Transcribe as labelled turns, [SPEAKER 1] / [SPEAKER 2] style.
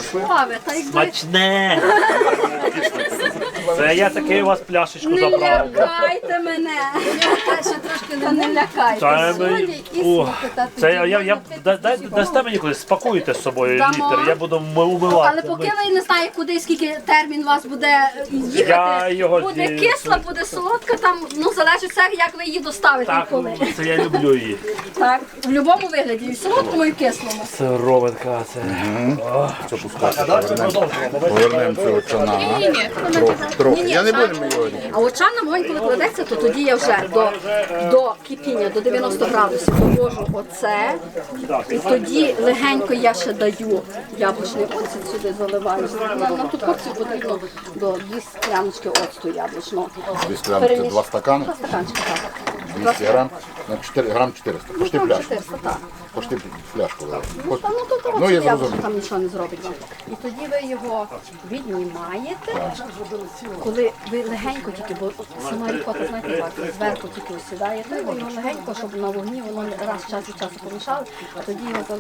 [SPEAKER 1] Кисле?
[SPEAKER 2] Славе, та якби
[SPEAKER 3] Смачне! Це я таки у вас пляшечку
[SPEAKER 2] не
[SPEAKER 3] забрав.
[SPEAKER 2] лякайте мене. Та не лякайте.
[SPEAKER 3] Та,
[SPEAKER 2] Солі і
[SPEAKER 3] о,
[SPEAKER 2] смаки, та
[SPEAKER 3] Це
[SPEAKER 2] тоді
[SPEAKER 3] я,
[SPEAKER 2] можна пити
[SPEAKER 3] дасте мені колись, спакуйте з собою
[SPEAKER 2] Дамо.
[SPEAKER 3] літр, я буду умивати.
[SPEAKER 2] Але поки ви не знаєте, куди, скільки термін у вас буде
[SPEAKER 3] Я
[SPEAKER 2] їхати,
[SPEAKER 3] його
[SPEAKER 2] буде
[SPEAKER 3] зі-
[SPEAKER 2] кисла, буде солодка, там, ну, залежить все, як ви її доставите і
[SPEAKER 3] Так,
[SPEAKER 2] коли.
[SPEAKER 3] це я люблю її.
[SPEAKER 2] Так, в будь-якому вигляді, і в солодкому, і в кислому.
[SPEAKER 3] Сироватка це.
[SPEAKER 1] Це пускати. Повернемо цього чана. Трохи. Я не буду його.
[SPEAKER 2] А от чан на вогонь, коли кладеться, то тоді я вже до кипіння, до 90 градусів довожу оце. І тоді легенько я ще даю яблучний оцет сюди заливаю. На ту порцію потрібно до 2 скляночки оцту яблучного.
[SPEAKER 1] 200 грам, це 2 стакани,
[SPEAKER 2] 2 стаканчики, так.
[SPEAKER 1] 200 грам, на 4 грам 400. Пошти
[SPEAKER 2] Там
[SPEAKER 1] пляшку.
[SPEAKER 2] 400, так.
[SPEAKER 1] Пошти пляшку.
[SPEAKER 2] Та, ну, то
[SPEAKER 1] Ну, я
[SPEAKER 2] яблуко
[SPEAKER 1] зрозумів.
[SPEAKER 2] там нічого не зробить вам. І тоді ви його віднімаєте, коли ви легенько тільки, бо сама рікота, знаєте, як, зверху тільки осідає, то ви його легенько, щоб на вогні воно раз час від часу помішали, а тоді його